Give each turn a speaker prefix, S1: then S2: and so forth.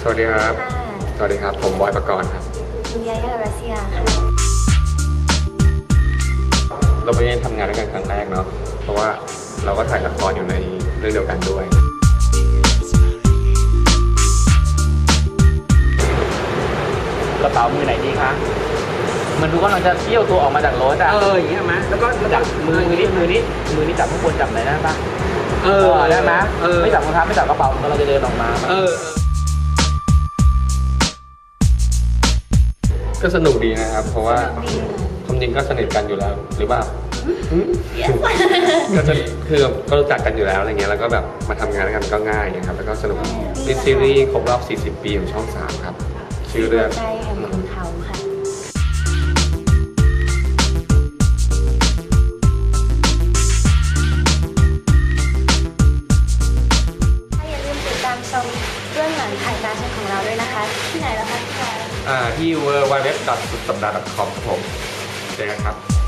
S1: วัสดีครับสวัสดีครับผมบอยประกรณ์ครับ
S2: คุณยายารัสเซียค่ะ
S1: เราไม่ได้ทำงานด้วยกันครั้งแรกเนาะเพราะว่าเราก็ถ่ายละครอยู่ในเรื่องเดียวกันด้วย
S3: กระเป๋ามือไหนดีคะมันดูกำลังจะเที่ยวตัวออกมาจากรถอ่ะ
S4: อย่างเงี้ยมั้ยแล้วก็
S3: จับมือนี้จับข้างบนจับไหนได้ปะได้ไหมไม่จับรองเท้าไม่จับกระเป๋ามันเราจะเดินออกมา
S1: ก็สนุกดีนะครับเพราะว่าความจริงก็สนิทกันอยู่แล้วหรือเปล่าก็จะคือก็รู้จักกันอยู่แล้วอะไรเงี้ยแล้วก็แบบมาทำงานกันก็ง่ายนะครับแล้วก็สนุกเป็นซีรีส์ครบรอบ40 ปีของช่อง 3ครับชื่อเรื่อง
S2: ใจแห่งขุนเขาค่ะอย่าลืมติดตามชมเรื่องหลังถ่ายการของเราด้วยนะคะที่ไหนแล้วคะพี่ชาย
S1: ที่ www.sudsapdah.com ครับผมเจอกันครับ